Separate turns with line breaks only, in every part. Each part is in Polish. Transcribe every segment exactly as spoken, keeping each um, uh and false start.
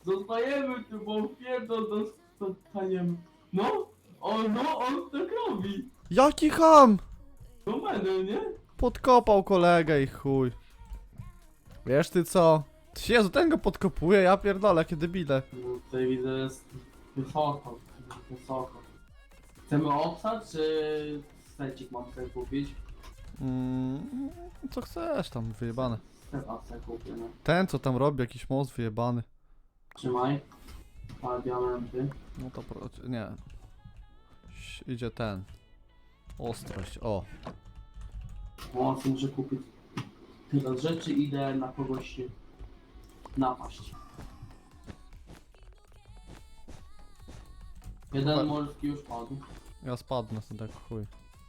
Zostajemy tu, bo pierdol dostaniemy. No, on, no, on tak robi.
Jaki ham!
No będę, nie?
Podkopał kolegę i chuj. Wiesz ty co? Jezu, ten go podkopuje, ja pierdolę, jakie debile.
No tutaj widzę, jest wysoko, wysoko. Chcemy obsad, czy secik mam sobie kupić?
Mm, co chcesz tam, wyjebane.
Chyba sobie kupię, no.
Ten co tam robi, jakiś most wyjebany.
Trzymaj. Dwa diamenty.
No to pro... nie. Ś- Idzie ten. Ostrość, o.
O, co muszę kupić. Tyle rzeczy, idę na kogoś się napaść. Jeden
Pa-
morski już padł.
Ja spadnę sobie tak chuj.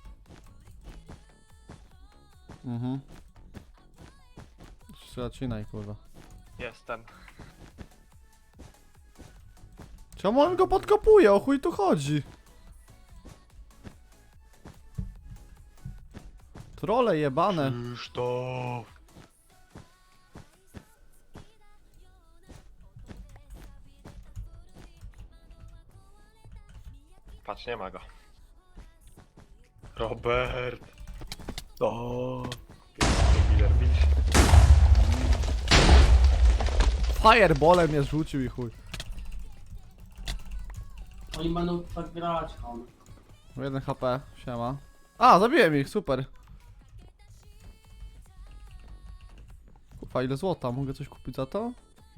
Mhm. Zacinaj kurwa.
Jestem.
Czemu on go podkopuje? O chuj tu chodzi? Trole jebane.
Krzysztof! Patrz, nie ma go. Robert! O, Miller, widzisz?
Fireballem mnie rzucił i chuj.
Oni będą tak grać, ham.
jeden H P, siema. A, zabiłem ich, super. Kurwa, ile złota? Mogę coś kupić za to?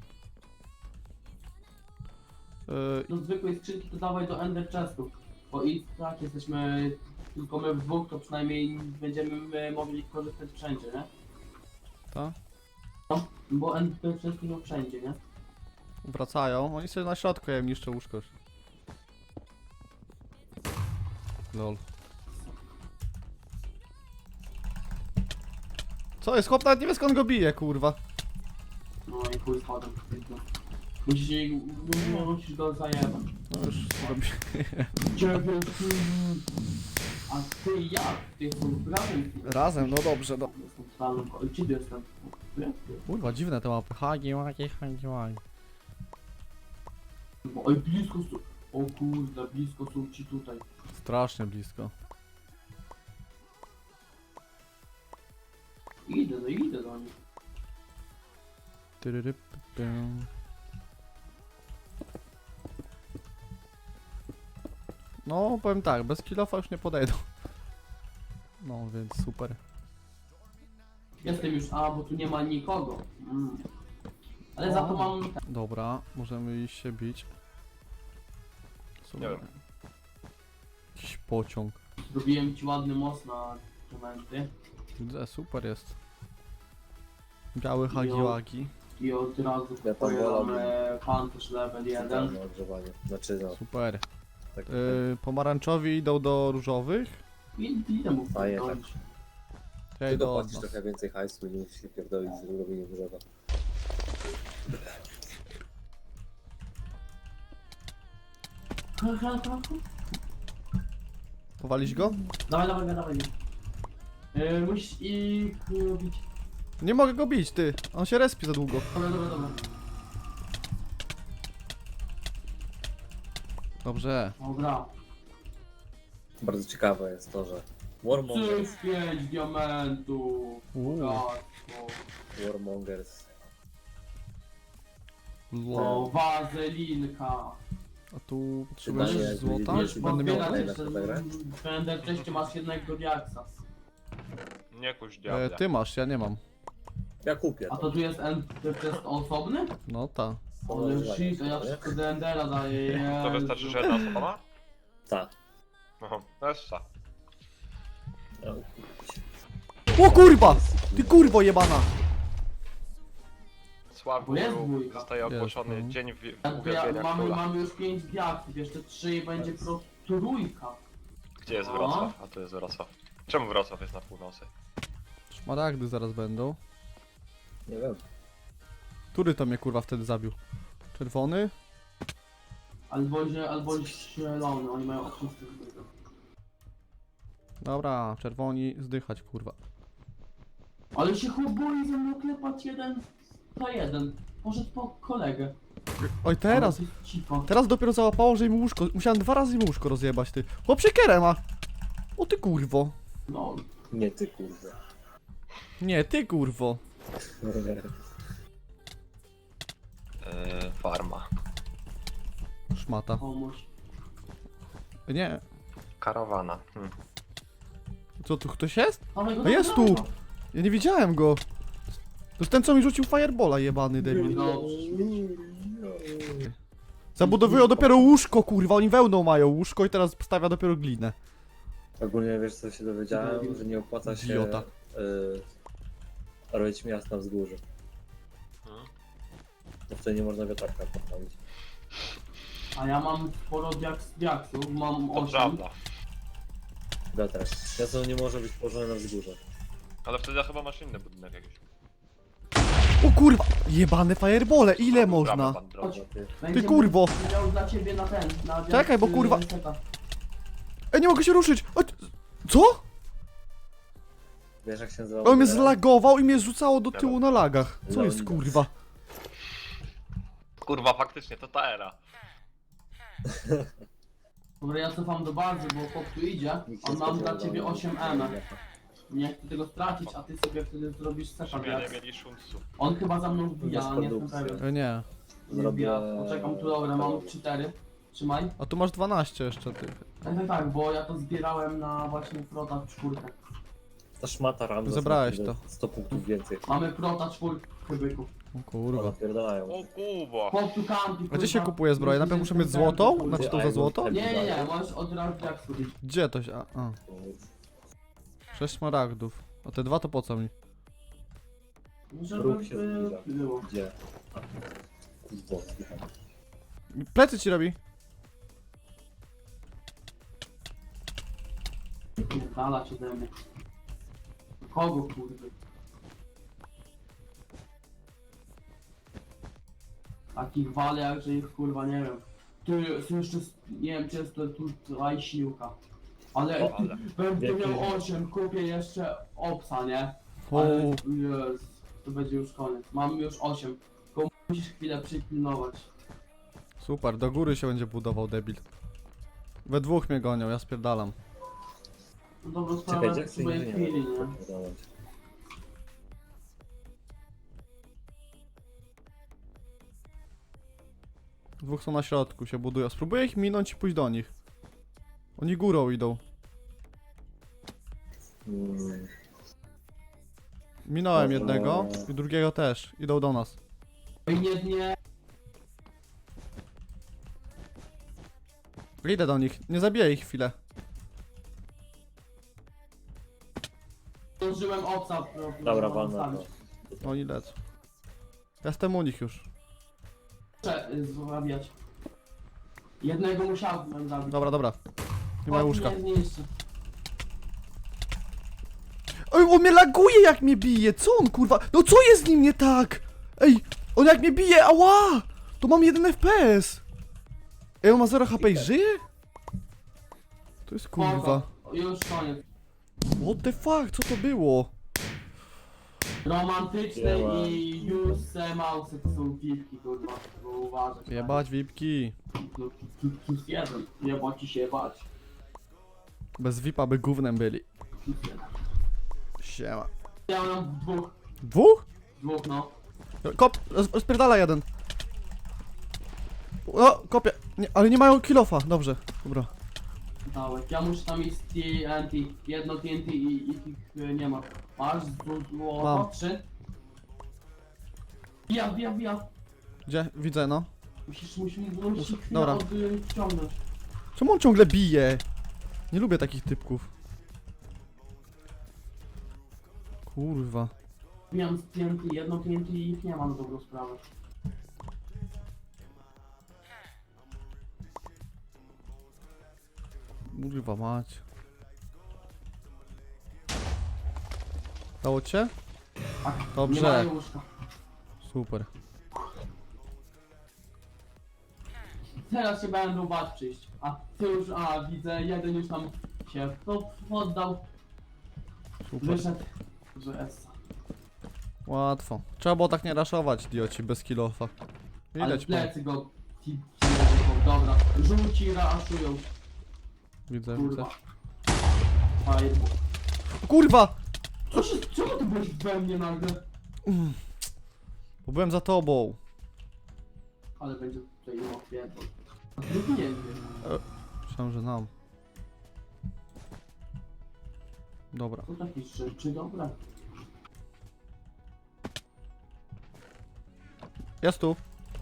Yy,
Do zwykłej skrzynki to dawaj do Ender Chestów. Bo i tak jesteśmy tylko my w dwóch, to przynajmniej będziemy my mogli korzystać wszędzie, nie?
to?
No, bo Ender Chesty są wszędzie, nie?
Wracają. Oni sobie na środku, ja im niszczę łóżko już. Lol. Co jest? Chłop nawet nie wie skąd go bije, kurwa.
No i chuj spadł. Musisz, jej- musisz go zajebać.
No już zrobię.
Ciebie, a ty jak? Ty są razem.
Razem, no dobrze, no.
Jestem stalną, ko- gdzie ty jestem? Nie?
Kurwa, dziwne te mapy. Hagi, hagi, hagi, hagi.
Oj, blisko są. O kurde, blisko są ci tutaj.
Strasznie blisko.
Idę, no idę do nich.
Tyryryp, pym. No, powiem tak, bez kilofa już nie podejdą. No, więc super.
Jestem już, a bo tu nie ma nikogo. Mm. Ale za to mam...
Dobra, możemy iść się bić. Super.
Nie wiem.
Jakiś pociąg.
Zrobiłem ci ładny most na momenty.
Widzę, super jest. Biały hagiłagi.
I od razu
Ja tam
kupuję
wolałbym.
pancerz level jeden.
Centralne ogrzewanie. Znaczy no,
Super.
tak,
Yy, pomarańczowi idą do różowych.
I idę mu
Fajnie,
wpierdolić.
Ja
ty
idę od
dopłacisz
nas.
trochę więcej hajsu i nie musisz się pierdolić z robieniem drzewa.
Powalić go?
Dawaj, dawaj, dawaj. Yy, musisz ich robić.
Nie mogę go bić, ty. On się respi za długo.
Dobra, dobra, dobra.
Dobrze.
Dobra.
Bardzo ciekawe jest to, że Warmongers,
Cyk, pięć diamentów.
Uuu.
Bogactwo.
Warmongers,
O, wazelinka.
A tu potrzebujesz
Pytanie,
złota?
jak
Wiesz,
będę
Będę
miał
miał...
podbierać
kolejne
jeszcze,
fotogra?
będę wcześniej masz jednego diaksa.
Nie kuś
E,
diabła.
ty masz, ja nie mam.
ja kupię
A
to.
to tu jest Ender Chest osobny?
No ta.
Ale
Używanie
shit, a ja
sobie, nie?
wszystko do Endera daję.
To wystarczy, że jedna osoba ma?
Tak.
Aha, to jest co?
No,
O kurwa! Ty kurwo jebana!
Sławiu
Bo jest dwójka.
zostaje
Jest,
ogłoszony
no.
dzień w-
Ja, ja,
uwielbienia
mamy,
króla.
mamy już pięć diaksów, jeszcze trzy i będzie pro trójka.
Gdzie jest
No.
Wrocław? A tu jest Wrocław. Czemu Wrocław jest na północy?
Szmaragdy zaraz będą.
nie wiem.
Który to mnie kurwa wtedy zabił? Czerwony?
Albo, że, albo zielony, oni mają oczysty.
Dobra, czerwoni zdychać kurwa.
Ale się chłop boi ze mną klepać jeden na jeden. Poszedł po kolegę.
Oj, teraz.
Ale ty cicho.
Teraz dopiero załapało, że im łóżko... Musiałem dwa razy im łóżko rozjebać, ty. Chłop siekierę ma! O ty kurwo.
No,
Nie ty kurde.
Nie, ty kurwo.
Yy, farma.
Szmata.
pomóż.
Nie.
Karawana. Hm.
Co, tu ktoś jest?
Ale go
No jest
dobra.
tu! Ja nie widziałem go. To jest ten, co mi rzucił firebola, jebany debil. Zabudowują dopiero łóżko, kurwa, oni wełną mają łóżko i teraz stawia dopiero glinę.
Ogólnie wiesz co się dowiedziałem, że nie opłaca się
Idiota.
y, robić miast na wzgórzu.
Hmm.
Bo wtedy nie można wiatraka postawić.
A ja mam sporo diaks, diaksów, mam
To
osiem.
prawda.
Wiatrak. Miasto nie może być położone na wzgórze.
Ale wtedy chyba masz inny budynek jakiś.
O kurwa! Jebane firebole, ile
Brawa,
można?
pan drogi.
Dobra, ty.
Będziemy
kurwo.
miał dla ciebie na ten, na diaks,
Czekaj, bo
y,
kurwa-
seta.
Ej, nie mogę się ruszyć! O, co?
Wiesz jak się nazywa?
On mnie
model?
zlagował i mnie rzucało do tyłu na lagach. Co jest
Leonidas.
kurwa?
Kurwa, faktycznie, to ta era.
Dobra, ja cofam do bazy, bo chłop tu idzie,
Nikt
a
nie
mam dla
spodziewał,
ciebie
że-
osiem M. Nie chcę tego stracić, a ty sobie wtedy zrobisz seta
Żeby nie
diaks.
mieli szuncu.
On chyba za mną wbija,
Bez
ale nie jestem
produkcji.
pewien.
E, nie.
Nie
Zrobię-
wbija. Poczekam tu, dobra, mam cztery. Trzymaj.
A tu masz dwanaście jeszcze, ty.
Tak, tak, tak, bo ja to zbierałem na właśnie prota czwórkę.
Ta szmata Ramzes
Zebrałeś
ma
to.
sto punktów więcej.
Mamy prota czwórkę byków.
O kurwa.
Odpierdalają.
O kurwa.
Chłop tu kampi,
A gdzie się
kurwa.
kupuje zbroję? Najpierw muszę mieć złotą? Znaczy to za złoto?
Nie, nie, nie, możesz od razu jak sobie.
Gdzie to się... A, a. Sześć smaragdów. A te dwa to po co mi?
Żeby
Ruch się
by
zbliża.
było.
Gdzie? A, kurwa, zdycham.
Plecy ci robi.
Dala cię ode mnie. Kogo kurde? Takich wale jak że ich kurwa nie wiem. Tu jest jeszcze, nie wiem czy jest to tutaj siłka. Ale
O,
ale.
będę
Jaki-
miał osiem, kupię jeszcze opsa, nie?
O,
Ale jest, to będzie już koniec. Mam już osiem. Tylko musisz chwilę przypilnować.
super, do góry się będzie budował debil. We dwóch mnie gonią, ja spierdalam.
No dobra,
Czekaj,
sprawę
Jackson
sobie
nie
chwili,
wiem.
nie?
Dwóch są na środku, się budują. Spróbuję ich minąć i pójść do nich. Oni górą idą.
Mm,
Minąłem
Dobra.
jednego i drugiego też. Idą do nas.
Oj, nie, nie.
Idę do nich, nie zabiję ich chwilę.
Zdążyłem opsa. pro-
Dobra,
pro-
walna to.
postawić.
Oni lecą. Ja jestem u nich już.
Muszę y, złabiać. Jednego musiałbym zabić.
Dobra, dobra. Nie ma
O,
łóżka.
Nie, nie jeszcze.
Oj, on mnie laguje jak mnie bije, co on kurwa? No co jest z nim nie tak? Ej, on jak mnie bije, ała! To mam jeden F P S. Ej, on ma zero H P i żyje? To jest kurwa.
Spoko. Już koniec.
What the fuck, co to było?
Romantyczne
Nie ma.
i use mausy to są piwki, kurwa. Bo uważaj.
Jebać vipki.
No, tu- Plus jeden. Jeba ci się bać.
Bez vipa by gównem byli.
Plus jeden.
Siema.
Ja mam dwóch.
Dwóch?
Dwóch, no.
Kop, roz- rozpierdala jeden. O, kopię. Nie, ale nie mają kilofa, dobrze. Dobra.
Dałek. Ja muszę tam mieć T N T. Jedno T N T i, i ich y, nie ma. Masz złoto?
Mam.
Trzy? Bija, bija, bija.
Gdzie? Widzę, no.
Musisz, musisz, musisz
Muszę-
chwilę
dobra.
odciągnąć.
Czemu on ciągle bije? Nie lubię takich typków. Kurwa.
Bijam z T N T, jedno T N T i ich nie ma na dobrą sprawę.
Kurwa mać. Dało cię?
Tak,
Dobrze.
nie mają łóżka.
Super.
Teraz się będą bać przyjść. A ty już, a widzę, jeden już tam się to poddał,
Super.
wyszedł, że essa.
Łatwo. Trzeba było tak nie raszować, idioci, bez kilofa.
Ale
Widać, po...
plecy go... ci- ci- Dobra, żółci raszują,
widzę, widzę.
kurwa. Fireball.
Kurwa!
Co się... Czemu ty byłeś we mnie nagle?
Bo byłem za tobą.
Ale będzie tutaj no pierdol. Drugi nie wiem.
Myślałem, że nam. Dobra.
To takie rzeczy, dobra.
Jest tu.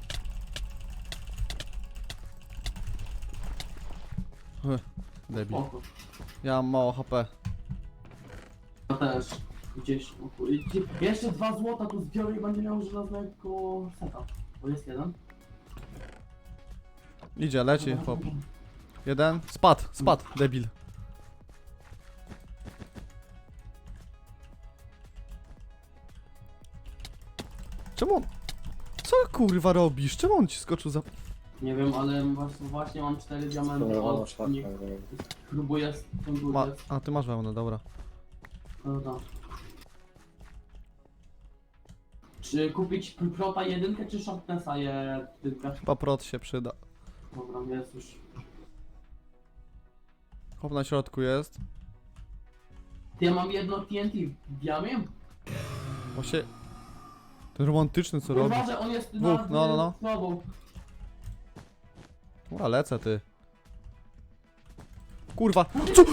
Ech, debil.
Spoko.
Ja mam mało H P.
Ja też. Gdzieś... o kur- gdzie- Jeszcze dwa złota tu zbiorę i będzie miał żelaznego seta. Bo jest jeden.
Idzie, leci, chłop. Jeden. Spadł, spadł, debil. Czemu on... Co kurwa robisz? Czemu on ci skoczył za...
Nie wiem, ale właśnie, właśnie mam cztery diamenty.
Spróbowano
O,
szlak.
nie, próbuję z tym
Ma...
górę.
A, ty masz wełnę, dobra.
Dobra. Czy kupić Prota jedynkę czy Sharpnessa jedynkę?
Chyba prot się przyda.
Dobra, jest już.
Chłop na środku jest.
Ty, ja mam jedno T N T w diamie?
Właśnie... Ten romantyczny co robi.
Uważaj, on jest
Dwóch,
nad
no, no, no.
tobą.
Dobra, lecę ty. Kurwa! Co?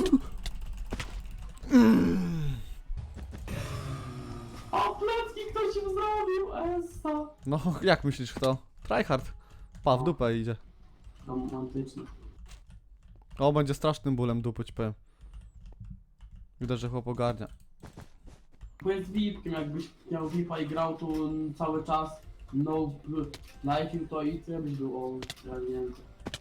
O, plecki ktoś im zrobił, Essa.
No, jak myślisz kto? Tryhard. Pa, w dupę idzie.
Romantyczny.
O, będzie strasznym bólem dupy, ci powiem. Widać, że chłop ogarnia.
Bo jest V I P-kiem, jakbyś miał V I P-a i grał tu cały czas. No, like'il to i ty byś był, o, ja nie wiem.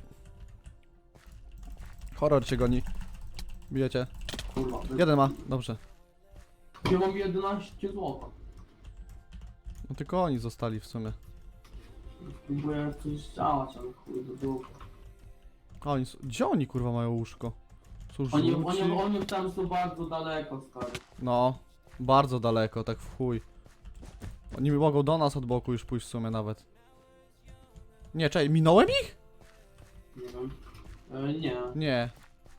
Horror cię goni. Bijecie.
Kurwa.
Jeden ma, dobrze.
Ja mam jedenaście złota.
No tylko oni zostali w sumie.
Próbuję coś działać, ale chuj do dupy.
A oni, s- gdzie oni kurwa mają łóżko? Są
Oni,
żółci?
oni, oni tam są bardzo daleko, stary.
No, bardzo daleko, tak w chuj. Oni mogą do nas od boku już pójść w sumie nawet. Nie, czekaj, minąłem ich?
Nie wiem. E, nie.
Nie,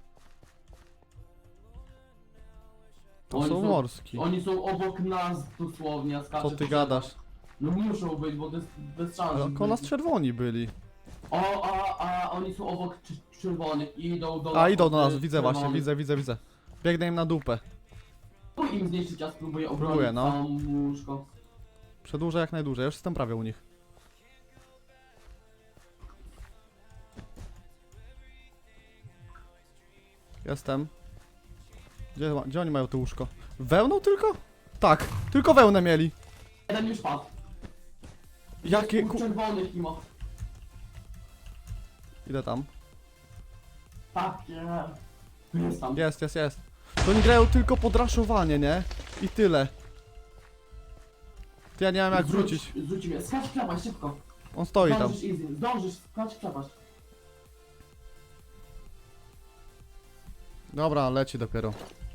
to
Oni
są
są-
morski.
Oni są obok nas dosłownie, a skaczę
Co ty gadasz?
No muszą być, bo to jest bez szans.
Ale
żeby
koło nas
być.
czerwoni byli.
O, a, a oni są obok cz- czerwonych i idą do
A
nas.
idą do
od,
nas,
y,
widzę właśnie,
czerwonych.
widzę, widzę, widzę. Biegnę im na dupę.
Próbuj im zniszczyć, ja spróbuję obronić
Próbuję, no.
całą łóżko.
Przedłużę jak najdłużej, ja już jestem prawie u nich. Jestem. Gdzie, ma- gdzie oni mają to łóżko? Wełną tylko? Tak, tylko wełnę mieli.
Jeden już padł.
Jakie
Jest
ku...
u czerwonych i ma.
Idę tam.
Tak, nie. Tu jest tam.
Jest, jest, jest. To oni grają tylko podraszowanie, nie? I tyle. Ty ja nie mam jak
Zrzuć-
wrócić.
Zrzuć mnie, skacz w przepaść, szybko.
On stoi tam.
Zdążysz easy, zdążysz, skacz w przepaść.
Dobra, leci dopiero.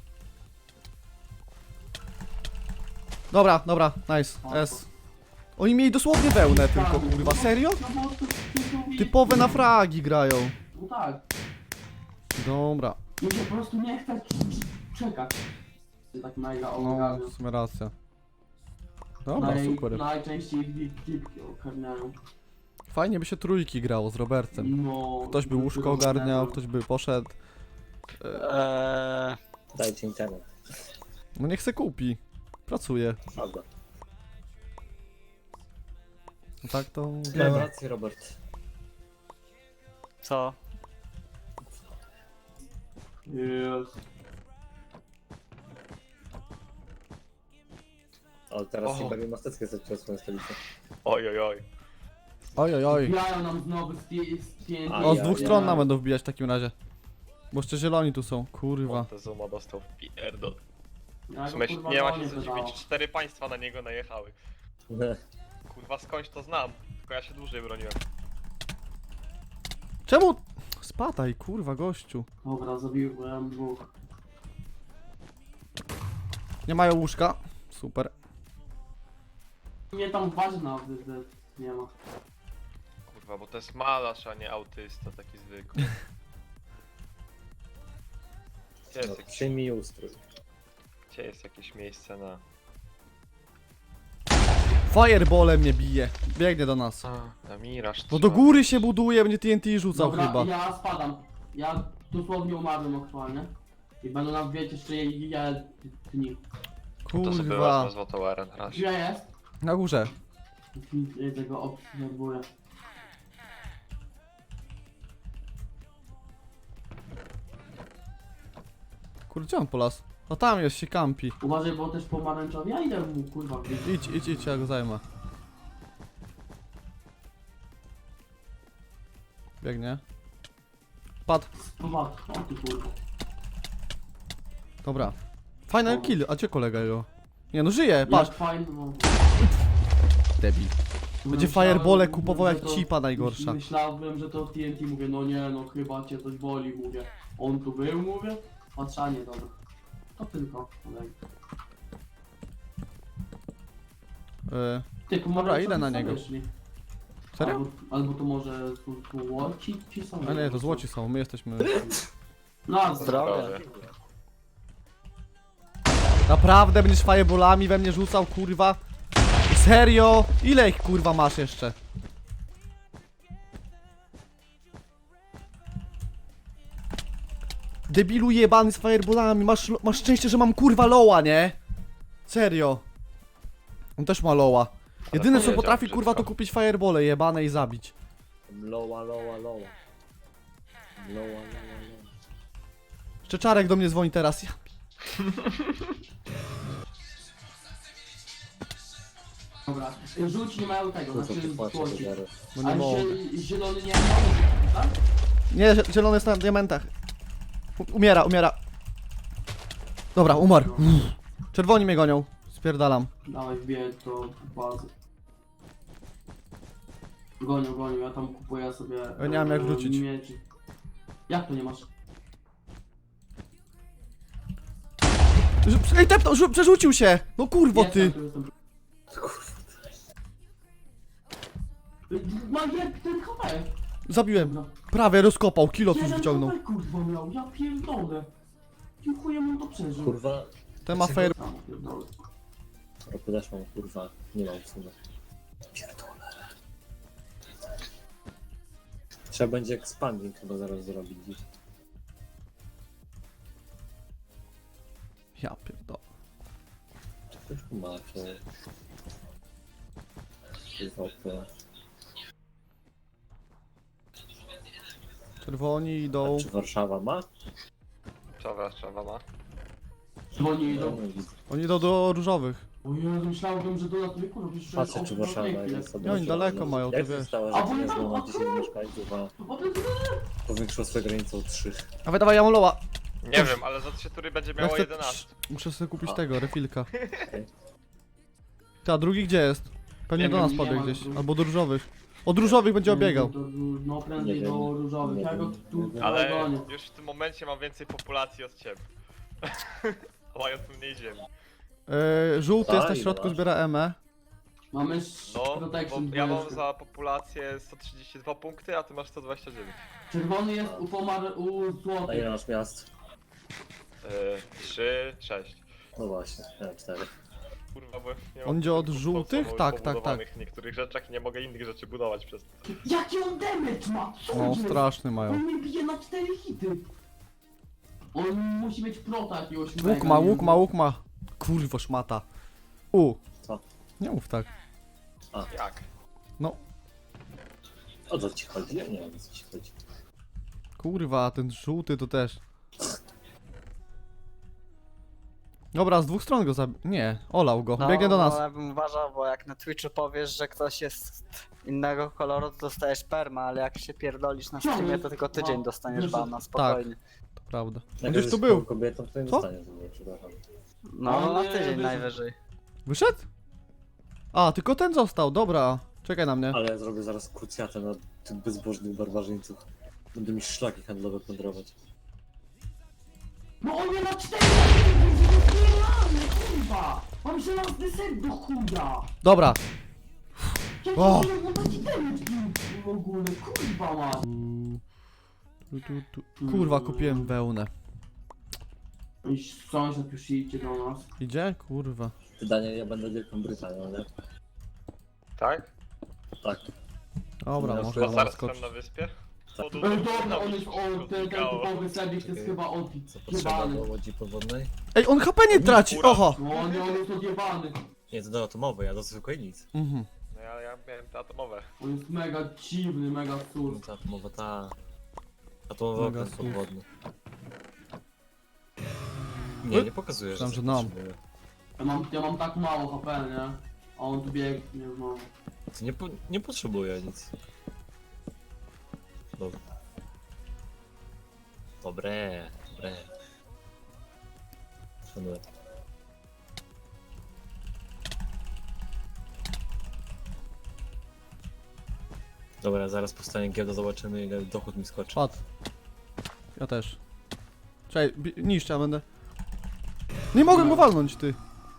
Dobra, dobra, nice. S. Oni mieli dosłownie wełnę tylko, kurwa. Serio?
No bo to- to- to-
Typowe na fragi grają.
No tak.
Dobra.
Mi się po prostu nie chce czekać. Tak mega
No,
ogarniam.
w sumie racja. Dobra, super.
Najczęściej gipki ogarniają.
Fajnie by się trójki grało z Robertem.
No.
Ktoś by łóżko ogarniał, ktoś by poszedł.
Eee,
Dajcie internet.
No niech se kupi. Pracuje.
Prawda.
No tak to...
Miałem rację, Robert.
co?
Jest.
Ale teraz
O.
Siberię Masteckie zaczęła swoją stolicę.
Oj, oj, oj.
Oj, oj, oj.
Wbijają nam znowu z T N T.
A,
O, z
ja-
dwóch
ja-
stron nam będą wbijać w takim razie. Bo jeszcze zieloni tu są, kurwa.
Montezuma dostał w pierdol.
Ja
W
go,
sumie
kurwa,
nie ma
gonię
się co
wydało.
dziwić, cztery państwa na niego najechały. Kurwa skądś to znam, tylko ja się dłużej broniłem.
Czemu? Spadaj, kurwa, gościu.
Dobra, zabiłem dwóch.
Nie mają łóżka. Super.
Nie tam w bazie nawet nie ma.
Kurwa, bo to jest malarz, a nie autysta, taki zwykły. Gdzie jest,
No,
jakieś,
przyjmij ustrój.
gdzie jest jakieś miejsce na...
Fireballem mnie bije. Biegnie do nas.
A, na miraż.
No do góry się buduje, mnie T N T rzucał
Dobra,
chyba.
ja spadam. Ja dosłownie umarłem aktualnie. I będą nam wiedzieć jeszcze ja dni.
To sobie
Kurwa.
wezmę złotą arę na razie.
Gdzie jest?
Na górze.
I tego obserwuję.
Kurde, gdzie on po las? No tam jest, się kampi.
Uważaj, bo też pomarańczowy. Ja idę mu kurwa gdzieś.
Idź, idź, idź, ja go zajmę. Biegnie. Padł.
Popatrz, o ty kurwa.
Dobra. Final kill, a gdzie kolega jego? Nie no, żyje, patrz.
Jak fajnie, no.
Debil. Będzie
Myślałem,
firebole kupował
że
jak
to-
cipa najgorsza.
Myślałem, że to T N T, mówię, no nie, no chyba cię coś boli, mówię. On tu był, mówię. Patrzanie, dobra. To tylko. kolej.
Yy,
Ty,
Dobra, idę na niego.
Wyszli.
serio?
Albo, albo to może tu, tu łoci ci są?
A nie, to złoci są, my jesteśmy...
No,
Zdrowie.
Naprawdę będziesz fireballami we mnie rzucał, kurwa? Serio? Ile ich kurwa masz jeszcze? Debilu jebany z fireballami, masz, masz szczęście, że mam kurwa loła, nie? Serio. On też ma loła. Jedyne co
powiedział
potrafi
brzydko.
kurwa to kupić firebole jebane i zabić.
Loła, loła, loła. Loła, loła, loła.
Jeszcze Czarek do mnie dzwoni teraz. Ja...
dobra. Rzuć nie mają tego,
Tu co
znaczy
ty płaczesz,
złoci.
Zero.
No nie
A
mogę.
zie zielony nie ma, tak?
Nie, zie- zielony jest na diamentach. U- Umiera, umiera. Dobra, umarł. Uff. Czerwoni mnie gonią. Spierdalam.
Dawaj, wbiję to bazy. Gonią, gonią, ja tam kupuję sobie...
Ja nie mam jak
e,
wrócić.
Mieczy. Jak to nie masz?
Ż- Ej, tepnął, rzu- przerzucił się! No kurwo
Jestem,
ty!
tu jestem. Mam jak ten H P.
Zabiłem.
No.
Prawie rozkopał, kilo coś
Jeden
wyciągnął.
H P kurwa miał, ja pierdolę. Dziękuję mu to przeżył.
Kurwa,
Ten ma fair...
Sam pierdolę.
roku też mam, kurwa, nie mam w sumie. Pierdolę. Trzeba będzie expanding chyba zaraz zrobić dziś.
Ja pierdolę.
Czy ktoś tu ma, czy... Wopy.
Czerwoni idą.
Czy Warszawa ma?
Co Warszawa ma?
Dzwoni
No,
idą.
nie widzę.
Oni idą do różowych.
O Jezu, myślałem, że do latwy kurwa, przecież to jest
Patrzę, czy
obcy
Warszawa
człowiek,
jest sobie.
Nie, oni daleko mają, to
Jak
wiesz.
zostało,
A
że
bo
nie
nie
znowu
tam,
na dziesięć mieszkańców, a
O, to jest-
powiększyło swoją granicę o trzy.
Dawaj, dawaj, ja mam loła.
Nie wiem, ale za trzy tury będzie
Ja
miało
chcę...
jedenaście.
Muszę sobie kupić
A.
tego, refilka.
Okej.
Ty, a drugi gdzie jest? Pewnie
Nie
do
wiem,
nas
nie
pobiegł
ma
gdzieś.
drugi.
Albo do różowych. Od różowych będzie obiegał.
Do- do- No prędzej
Nie wiem.
do różowych,
Nie
ja go
wiem.
tu
Nie wiem.
Ale
gonię.
już w tym momencie mam więcej populacji od ciebie. Mają tu mniej ziemi.
Yy, żółty jest
A,
na
ile
środku,
masz?
zbiera emę.
Mamy
No,
protection
bo ja mam
dwójeczkę.
za populację sto trzydzieści dwa punkty, a ty masz sto dwadzieścia dziewięć.
Czerwony jest u pomar... u
A ile
złotych.
masz miast?
Yy, trzy, sześć.
No właśnie, ja mam cztery.
Kurwa, bo nie
On
mam
idzie od
punktów
żółtych?
po-
Tak, tak,
pobudowanych w niektórych rzeczach i nie mogę innych rzeczy budować przez to.
Jaki on damage ma? Co
No,
jest?
straszny mają.
On mnie bije na cztery hity. On musi mieć prota jakiegoś
Łuk
mega,
ma,
nie
łuk
wiem.
ma, łuk ma. Kurwo szmata. U.
Co?
Nie mów tak.
Jak?
No,
O co ci chodzi? Ja nie wiem, o co ci chodzi.
kurwa, ten żółty to też. Dobra, z dwóch stron go zabi... Nie, olał go.
No,
Biegnie do nas.
ale bym uważał, bo jak na Twitchu powiesz, że ktoś jest innego koloru, to dostajesz perma, ale jak się pierdolisz na streamie, to tylko tydzień dostaniesz bana, spokojnie.
To prawda. On
Jak
gdzieś tu
jesteś
był.
kobietą, to nie
Co?
dostaniesz tego, przepraszam.
No,
On,
na
e,
tydzień
wyszedł.
najwyżej.
Wyszedł? A, tylko ten został, dobra. Czekaj na mnie.
Ale ja zrobię zaraz krucjatę na tych bezbożnych barbarzyńców. Będę mi szlaki handlowe plądrować.
No on mnie na cztery hity, zbieramy, kurwa! Mam żelazny set do chuja!
Dobra.
Jak
O!
on ma ci damage bił, w ogóle, kurwa ma.
Tu, tu, tu. Kurwa, kupiłem wełnę.
I sąsiad już idzie do nas.
Idzie? Kurwa.
Wydanie, ja będę Wielką Brytanią, nie?
Tak?
Tak.
Dobra,
No,
można nam
Gospodarstwem
skoczyć.
na wyspie?
Tak.
Podu-
Ej, dobra, on jest
się
o, ten, ten
rozbiegało.
typowy sebik, to jest
Czekaj.
chyba on.
Co potrzeba do
Jebany.
łodzi podwodnej?
Ej, on H P nie traci,
Kura.
oho!
No nie, on jest odjebany.
Nie, to do atomowej, ja do zwykłej nic.
Mhm.
No ja, ja miałem te atomowe.
On jest mega dziwny, mega
No
surf.
to atomowa ta... Atomowa
Mega
okręt
słów.
podwodny. Nie, nie pokazuje, że
Myślałem, że
coś
nam.
potrzebuje.
Ja mam, ja mam tak mało H P, nie? A on tu biegnie, no.
To nie, po, nie potrzebuje nic. Dobra. Dobre, dobre. Szanuję. Dobra, zaraz powstanie giełda, zobaczymy ile dochód mi skoczy.
Padł. Ja też. Czekaj, bi- niszcz, ja będę... Nie mogłem go walnąć, ty.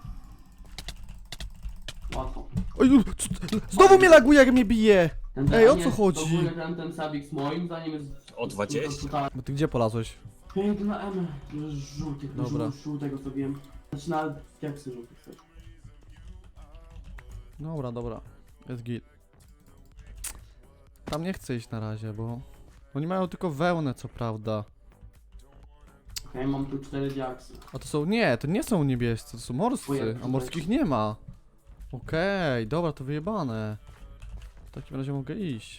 Łatwo.
Oj, u, c- znowu mnie laguje, jak mnie bije!
Ten,
Ej, o
nie,
co chodzi?
W ogóle ten, ten sabik z moim, zanim jest...
O dwadzieścia?
Tutaj.
Bo ty gdzie polazłeś?
Piękny na M. Żółty,
Dobra.
żół, żółtego co wiem. Znaczy na jak sobie żółty chcesz.
Dobra, dobra. Jest git. Tam nie chcę iść na razie, bo... Oni mają tylko wełnę, co prawda.
Okej, mam tu cztery diaksy.
A to są... Nie, to nie są niebiescy, to są morscy,
Ojej,
a morskich nie ma. Okej, dobra, to wyjebane. W takim razie mogę iść.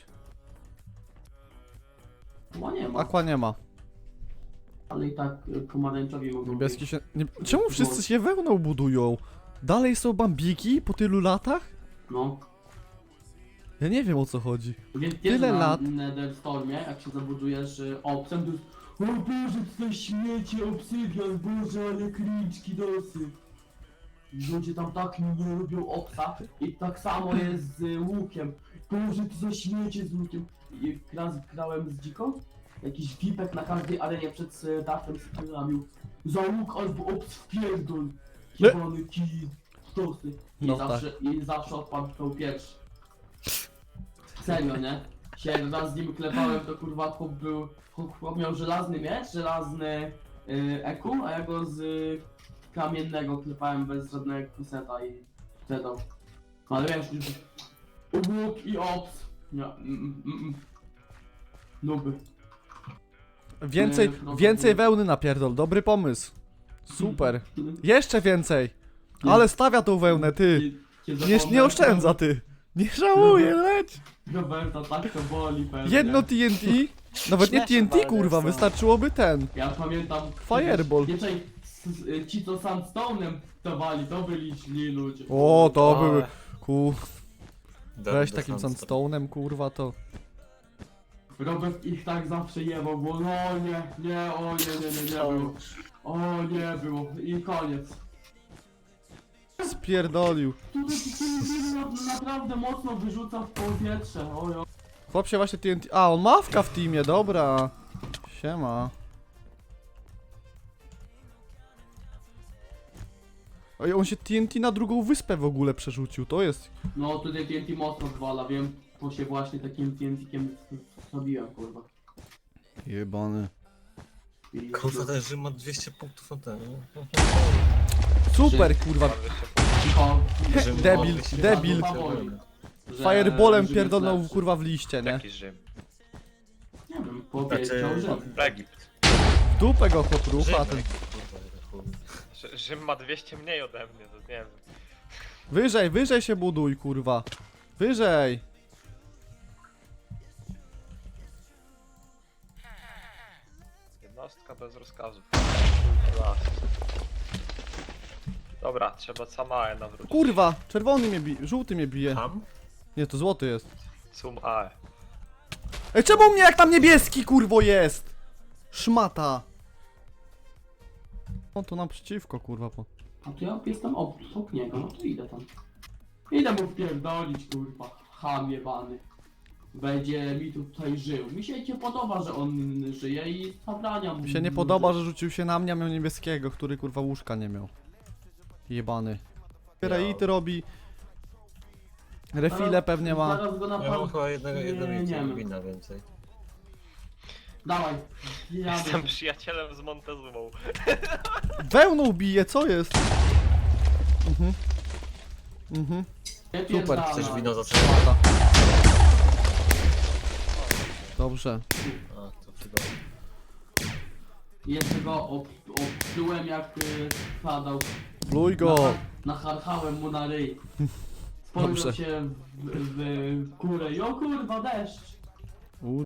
Chyba nie ma,
Aqua nie ma.
ale i tak y, pomarańczowi mogą
Niebieski
być.
się... Nie... Czemu wszyscy się wełną budują? Dalej są bambiki po tylu latach?
No.
Ja nie wiem, o co chodzi.
Wiesz, wiesz,
Tyle
na
lat.
Netherstormie, jak się zabudujesz y, obcem, to jest... O Boże, tutaj śmiecie, obsydian, Boże, ale kliczki dosy. Ludzie tam tak nie lubią obsa i tak samo jest z y, łukiem. Boże, ty za śmiecie z łukiem. I raz grałem z dziką, jakiś vipek na każdej arenie przed y, dachtem skramił. Za łuk albo obs w pierdol.
Le-
Jebany kij, dosy. I
No
zawsze, i zawsze odpadł tą pierwszy. Serio, nie? Się raz z nim klepałem, to kurwa chłop był... Chłop miał żelazny miecz, żelazny yy, eku, a ja go z y, kamiennego klepałem bez żadnego kuseta i wtedy. Ale wiesz, już... Łuk i ops. Nie, mm, mm, mm. Nuby.
Więcej,
Nie, no,
więcej
no.
wełny napierdol, dobry pomysł. Super. Jeszcze więcej. Ale stawia tą wełnę, ty. Nie, nie oszczędza, ty. Nie żałuję, leć.
Roberta, tak to boli pewnie.
Jedno T N T? Nawet nie T
Śmieszne
N T,
bardzo
kurwa,
są.
wystarczyłoby ten.
Ja pamiętam...
Fireball.
Nie, czekaj, s- s- y, ci co sandstone'em dawali, to byli źli ludzie.
O, to
Ale-
były... Ku...
Do-
Weź
do
takim
sandstone.
sandstone'em, kurwa, to...
Robert ich tak zawsze jebał, bo no nie, nie, o nie, nie, nie, nie było. O nie było i koniec.
Spierdolił.
Tutaj ci na, naprawdę mocno wyrzuca w powietrze, ojo.
Chłop się właśnie T N T... A, on mawka w teamie, dobra. Siema. Oj, on się T N T na drugą wyspę w ogóle przerzucił, to jest...
No tutaj T N T mocno zwala, wiem, bo się właśnie takim T N T-kiem zrobiłem, kurwa.
Jebany.
I
Kurwa, ten Rzym ma dwieście punktów na ten.
Super, kurwa.
Bardzo się
Cicho.
Rzym ma
Debil,
dwieście
debil.
punktów.
Że-
Fireballem
że
pierdolnął
jest lepszy.
kurwa w liście, nie?
Jaki Rzym?
Nie wiem, powiedział,
Znaczy-
że...
Egipt.
W dupę go chłop
Rzym,
rucha, ten...
kurwa, chuj.
Rzy- Rzym ma dwieście mniej ode mnie, to nie wiem.
Wyżej, wyżej się buduj, kurwa. Wyżej.
Jednostka bez rozkazów. Raz. Dobra, trzeba Samae nawrócić.
Kurwa, czerwony mnie bije, żółty mnie bije.
Tam?
Nie, to złoty jest.
Sum Ae.
Ej, czemu mnie jak tam niebieski, kurwo, jest? Szmata. O, to naprzeciwko, kurwa, po...
A to ja jestem obok niego, no to idę tam. Idę mu wpierdolić, kurwa. Ham jebany. Będzie mi tutaj żył. Mi się nie podoba, że on żyje i zabrania mu.
Mi się nie podoba, że rzucił się na mnie, a miał niebieskiego, który, kurwa, łóżka nie miał. Jebany. Reity robi... Refile pewnie ma.
Zaraz go na
Ja mam
pan...
chyba jednego, jednego
nie, nie
jednego
wiem.
wina więcej.
Dawaj.
Jestem
Jadę.
przyjacielem z Montezumą.
Wełną bije, co jest? Mhm. Mhm.
Nie
Super.
pierdala.
Chcesz wino za co?
Lata. Dobrze.
A, to chyba...
Jeszcze go ob, obczułem jak y, padał.
Pluj go.
Nacharchałem mu na ryj.
Dobrze.
Spojrzał się w, w, w górę i o kurwa deszcz.